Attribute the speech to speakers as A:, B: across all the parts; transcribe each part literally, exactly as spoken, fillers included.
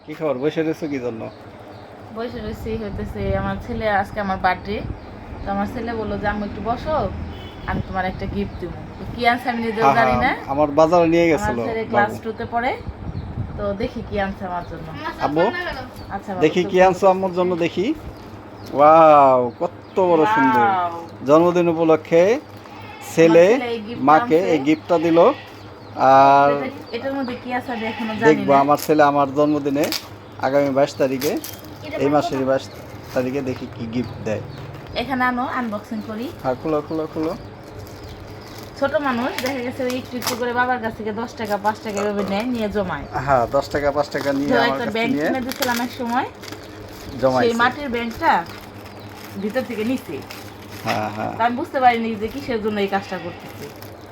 A: কি খবর, বসে রয়েছো কি জন্য?
B: বসে রয়েছি হইতেছে আমার ছেলে আজকে আমার বার্থডে। তো আমার ছেলে বললো যে আম্মু একটু বসো, আমি তোমার একটা গিফট দেবো। তো কি আনছে আমি নিজেও
A: হ্যাঁ
B: জানি
A: হ্যাঁ,
B: না।
A: আমার বাজারে নিয়ে
B: আমার
A: গেছিল
B: ছেলে ক্লাস
A: বাবু।
B: টুতে পড়ে, তো দেখি কি আনছে আমার জন্য।
A: আব্বু
B: আচ্ছা বাবা,
A: দেখি
B: চোখ
A: কি
B: বন্ধ
A: আনছো আম্মুর
B: করতেছি।
A: জন্য, দেখি। ওয়াও, কত বড় সুন্দর!
B: Wow!
A: জন্মদিন উপলক্ষে
B: আমার
A: ছেলে
B: ছেলে এই গিফটটা
A: মাকে
B: আনছে।
A: এই গিফটটা দিল। আর
B: এটা- এটার মধ্যে কি আছে আমি এখনো জানি
A: দেখবো
B: না।
A: আমার ছেলে আমার জন্মদিনে আগামী বাইশ তারিখে, এই মাসের বাইশ তারিখে দেখি কি গিফট দেয়।
B: এখানে আনো, আনবক্সিং করি।
A: হ্যাঁ, খুলো খুলো খুলো।
B: ছোট মানুষ দেখা গেছে ওই একটু একটু করে বাবার কাছ থেকে দশ টাকা পাঁচ টাকা এভাবে নেয়, নিয়ে জমায়।
A: হ্যাঁ, দশ টাকা পাঁচ টাকা নিয়ে
B: তো
A: আমার
B: একটা
A: কাছে
B: ব্যাংক
A: নিয়ে
B: কিনে দিয়েছিলাম এক সময়, সেই
A: জমাইছে।
B: মাটির ব্যাংকটা ভিতর থেকে নিচ্ছে।
A: হ্যাঁ হ্যাঁ,
B: তা আমি বুঝতে পারিনি যে কিসের জন্য এই কাজটা করতেছে।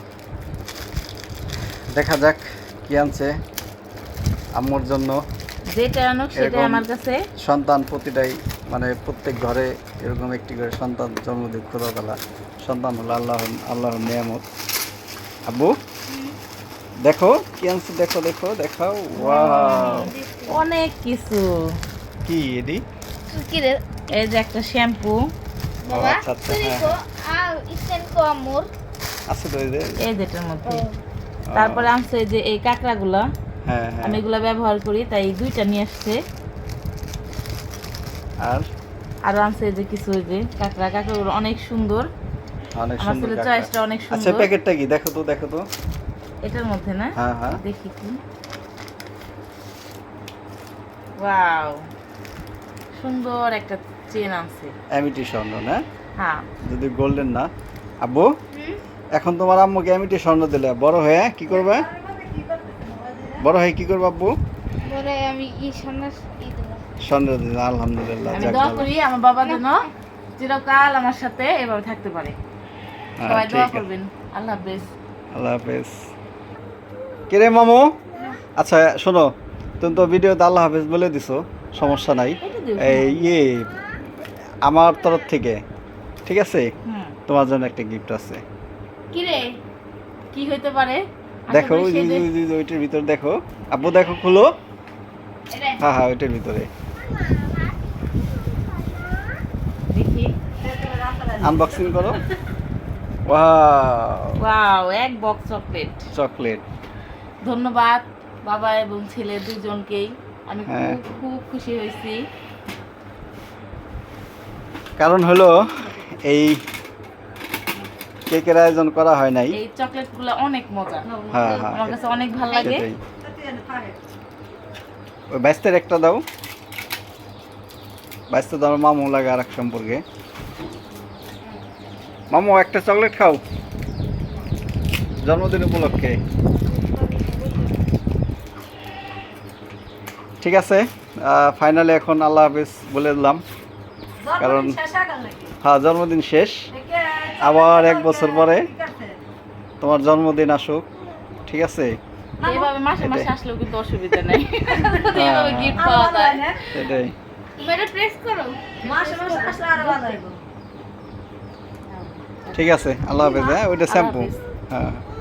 A: দেখা যাক কি আনছে আম্মুর জন্য।
B: যেটা আনুক সেটাই
A: এরকম
B: আমার কাছে।
A: সন্তান প্রতিটাই, মানে প্রত্যেক ঘরে এরকম একটি করে সন্তান জন্মদিন খোদাতলা সন্তান হলো আল্লাহ আল্লাহর নিয়ামত। আব্বু দেখো কি আনছে, দেখো দেখো দেখাও। ওয়াও,
B: অনেক কিছু।
A: কি এডি?
C: কিরে
B: এই যে একটা শ্যাম্পু,
C: বাবা
A: আচ্ছা, আচ্ছা,
C: তুই
A: হ্যাঁ।
C: কো আর ইসেন কো আমুর
A: আছে তো এই যে।
B: এই যেটার মধ্যে।
A: ও,
B: তারপরে আনছে এই যে এই কাঁকড়াগুলা,
A: হ্যাঁ হ্যাঁ।
B: আমি এগুলা ব্যবহার করি তাই দুইটা নিয়ে আসছে।
A: আর
B: আর আনছে এই যে কিছু এই যে কাঁকড়া, কাঁকড়াগুলো অনেক সুন্দর।
A: অনেক
B: আমার
A: সুন্দর
B: ছেলের
A: কাঁকড়া।
B: চয়েসটা অনেক
A: আচ্ছা,
B: সুন্দর।
A: প্যাকেটটা কি দেখো তো, দেখো তো।
B: এটার মধ্যে না,
A: হ্যাঁ হ্যাঁ,
B: দেখি কি। ওয়াও, সুন্দর একটা চেন আনছে।
A: অ্যামিটি স্বর্ণ না,
B: হ্যাঁ,
A: যদি গোল্ডেন না। আব্বু এখন তোমার আম্মুকে অ্যামিটি স্বর্ণ দিলে বড় হয়ে কি করবে? বড় হয়ে কি করবে আব্বু?
C: বলে আমি ই সন্ন্যাস ই দেব
A: স্বর্ণ দিলে, আলহামদুলিল্লাহ।
B: আমি
A: যাক
B: দোয়া
A: ভালো।
B: করি আমার বাবা যেন চিরকাল আমার সাথে এভাবে থাকতে পারে।
A: হ্যাঁ,
B: সবাই
A: ঠিক
B: দোয়া
A: আছে।
B: করবেন। আল্লাহ হাফেজ।
A: আল্লাহ হাফেজ। কিরে মামু, আচ্ছা শোনো, তুমি তো ভিডিওতে আল্লাহ হাফেজ বলে দিছো, সমস্যা নাই।
B: এটা দিও,
A: এই ইয়ে আমার তরফ থেকে, ঠিক আছে,
B: হুম,
A: তোমার জন্য একটা গিফট আছে।
B: কিরে কি হইতে পারে? আশা
A: দেখো
B: করি
A: ওই যে-
B: সে দে-
A: ওই যে- ওই যে ওইটার ভিতর দেখো আব্বু, দেখো খুলো। হ্যাঁ হ্যাঁ, ওইটার ভিতরে
B: দেখি।
A: আনবক্সিং করো। ওয়াও,
B: ওয়াও, এক বক্স চকলেট।
A: চকলেট।
B: ধন্যবাদ বাবা এবং ছেলে দুজনকেই। আমি
A: হ্যাঁ।
B: খুব খুব খুশি হয়েছি।
A: কারণ হলো এই কেকের আয়োজন করা হয় নাই।
B: এই চকলেটগুলো অনেক মজা,
A: হ্যাঁ হ্যাঁ,
B: আমার কাছে অনেক ভালো লাগে।
A: সেটাই। ওই বাইশটার একটা দাও, বাইশটা দাও, মামু লাগে আর এক সম্পর্কে। মামু একটা চকলেট খাও জন্মদিন উপলক্ষে। ঠিক আছে, ফাইনালি এখন আল্লাহ হাফিজ বলে দিলাম, কারণ হ্যাঁ জন্মদিন শেষ। আবার এক বছর পরে তোমার জন্মদিন আসুক, ঠিক আছে।
B: এভাবে মাসে মাসে
A: এটাই।
B: আসলেও কিন্তু অসুবিধা নেই, যদি
A: হ্যাঁ,
B: এভাবে
A: হ্যাঁ,
B: গিফট পাওয়া যায়।
A: সেটাই।
C: মেরে প্রেস করো
B: মাসে মাসে আসলে আরো ভালো লাগবে।
A: ঠিক আছে, আল্লাহ হাফিজ। হ্যাঁ, ওইটা
B: আল্লাহ
A: শ্যাম্পু।
B: হাফেজ।
A: হ্যাঁ।